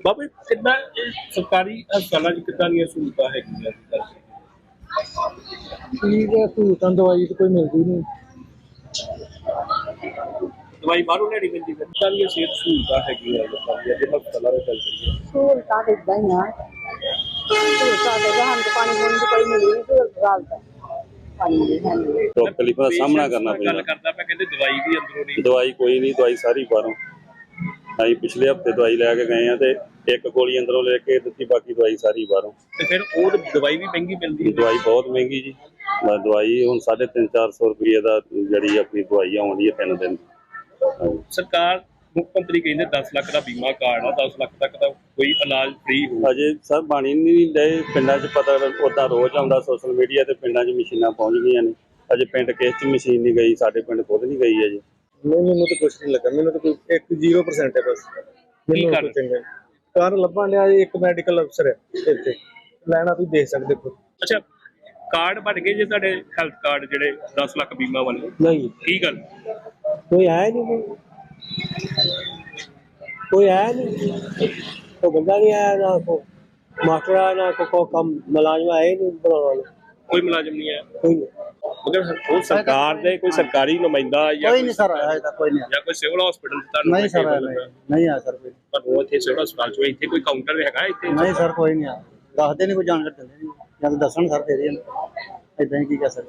ਬਾਬੇ ਕਿੰਨਾ ਸਰਕਾਰੀ ਹਸਪਤਾਲਾਂ 'ਚ ਕਿੱਦਾਂ ਦੀਆਂ ਸਹੂਲਤਾਂ ਹੈਗੀਆਂ? ਠੀਕ ਹੈ, ਸਹੂਲਤਾਂ ਦਵਾਈ ਤਾਂ ਕੋਈ ਮਿਲਦੀ ਨਹੀਂ। ਦਵਾਈ ਬਾਹਰੋਂ ਲੈਣੀ ਪੈਂਦੀ ਹੈ। ਕਿੱਦਾਂ ਦੀਆਂ ਸਿਹਤ ਸਹੂਲਤਾਂ ਹੈਗੀਆਂ ਲੋਕਾਂ ਦੀਆਂ ਜੇ ਹਸਪਤਾਲਾਂ ਵਿੱਚ ਗੱਲ ਕਰੀਏ? ਸਹੂਲਤਾਂ ਤਾਂ ਏਦਾਂ ਹੀ ਆ। ਸਹੂਲਤਾਂ ਦੇ ਸਾਨੂੰ ਤਾਂ ਪਾਣੀ ਪੂਣੀ ਦੀ ਕੋਈ ਮਿਲੀ ਨਹੀਂ ਸਹੂਲਤ ਪਾਣੀ ਦੀ ਹੈ ਨਹੀਂ। ਤਕਲੀਫਾਂ ਦਾ ਸਾਹਮਣਾ ਕਰਨਾ ਪੈਂਦਾ। ਗੱਲ ਕਰਦਾ ਮੈਂ ਕਹਿੰਦੇ ਦਵਾਈ ਵੀ ਅੰਦਰੋਂ ਨਹੀਂ। ਦਵਾਈ ਕੋਈ ਨਹੀਂ, ਦਵਾਈ ਸਾਰੀ ਬਾਹਰੋਂ। ਅਸੀਂ ਪਿਛਲੇ ਹਫਤੇ ਦਵਾਈ ਲੈ ਕੇ ਗਏ ਆ ਤੇ ਇੱਕ ਗੋਲੀ ਅੰਦਰੋਂ ਲੈ ਕੇ ਦਿੱਤੀ, ਬਾਕੀ ਦਵਾਈ ਸਾਰੀ ਬਾਹਰੋਂ। ਤੇ ਫਿਰ ਉਹ ਦਵਾਈ ਵੀ ਮਹਿੰਗੀ ਮਿਲਦੀ ਹੈ। ਦਵਾਈ ਬਹੁਤ ਮਹਿੰਗੀ ਜੀ। ਦਵਾਈ ਹੁਣ 350-400 ਰੁਪਏ ਦਾ ਜਿਹੜੀ ਆਪਣੀ ਦਵਾਈ ਆਉਂਦੀ ਹੈ 3 ਦਿਨ। ਸਰਕਾਰ ਮੁੱਖ ਮੰਤਰੀ ਕਹਿੰਦੇ 10 ਲੱਖ ਦਾ ਬੀਮਾ ਕਾਰਡ ਆ, 10 ਲੱਖ ਤੱਕ ਦਾ ਕੋਈ ਇਲਾਜ ਫ੍ਰੀ ਹੋ। ਅਜੇ ਸਰ ਬਣੀ ਨਹੀਂ ਡਏ ਪਿੰਡਾਂ 'ਚ, ਪਤਾ ਉੱਦਾਂ ਰੋਜ਼ ਆਉਂਦਾ ਸੋਸ਼ਲ ਮੀਡੀਆ ਤੇ ਪਿੰਡਾਂ 'ਚ ਮਸ਼ੀਨਾਂ ਪਹੁੰਚ ਗਈਆਂ ਨੇ। ਅਜੇ ਪਿੰਡ ਕਿਸੇ 'ਚ ਮਸ਼ੀਨ ਨਹੀਂ ਗਈ, ਸਾਡੇ ਪਿੰਡ ਖੁਦ ਨਹੀਂ ਗਈ ਅਜੇ। ਮੈਨੂੰ ਤਾਂ ਕੁਛ ਨਹੀਂ ਲੱਗਾ, ਮੈਨੂੰ ਤਾਂ ਕੋਈ 0% ਹੈ ਬਸ। ਮੈਨੂੰ ਕੋਈ ਚੰਗਾ ਕਾਰਨ ਲੱਭਣ ਲਿਆ। ਇੱਕ ਮੈਡੀਕਲ ਅਫਸਰ ਹੈ ਇੱਥੇ, ਲੈਣਾ ਤੁਸੀਂ ਦੇਖ ਸਕਦੇ ਹੋ। ਅੱਛਾ, ਕਾਰਡ ਬਣ ਗਏ ਜੇ ਤੁਹਾਡੇ ਹੈਲਥ ਕਾਰਡ ਜਿਹੜੇ 10 ਲੱਖ ਬੀਮਾ ਵਾਲੇ? ਨਹੀਂ, ਕੀ ਗੱਲ? ਕੋਈ ਆਇਆ ਨਹੀਂ, ਕੋਈ ਆਇਆ ਨਹੀਂ, ਕੋਈ ਬੰਦਾ ਨਹੀਂ ਆਇਆ, ਨਾ ਕੋਈ ਮਾਸਟਰ ਆਇਆ, ਨਾ ਕੋਈ ਕੰਮ ਮੁਲਾਜ਼ਮ ਆਏ ਨਹੀਂ ਬਣਾਉਣ ਵਾਲੇ। ਕੋਈ ਮੁਲਾਜ਼ਮ ਨਹੀਂ ਆਇਆ? ਕੋਈ ਨਹੀਂ। ਮਗਰ ਉਹ ਸਰਕਾਰ ਦੇ ਕੋਈ ਸਰਕਾਰੀ ਨੁਮਾਇੰਦਾ ਜਾਂ ਕੋਈ ਨਹੀਂ ਸਰ ਆਇਆ ਤਾਂ ਕੋਈ ਨਹੀਂ। ਜਾਂ ਕੋਈ ਸਿਵਲ ਹਸਪੀਟਲ ਤੁਹਾਨੂੰ? ਨਹੀਂ ਸਰ, ਨਹੀਂ ਆਇਆ ਸਰ ਕੋਈ। ਪਰ ਉਹ ਇੱਥੇ ਸਿਵਲ ਹਸਪਤਾਲ 'ਚ ਇੱਥੇ ਕੋਈ ਕਾਊਂਟਰ ਹੈਗਾ ਇੱਥੇ? ਨਹੀਂ ਸਰ, ਕੋਈ ਨਹੀਂ ਆਇਆ। ਦੱਸਦੇ ਨਹੀਂ, ਕੋਈ ਜਾਣਕਾਰੀ ਦਿੰਦੇ ਨਹੀਂ, ਜਾਂ ਦੱਸਣ ਸਰ ਫੇਰ ਏਦਾਂ ਹੀ ਕੀ ਕਰ ਸਕਦੇ।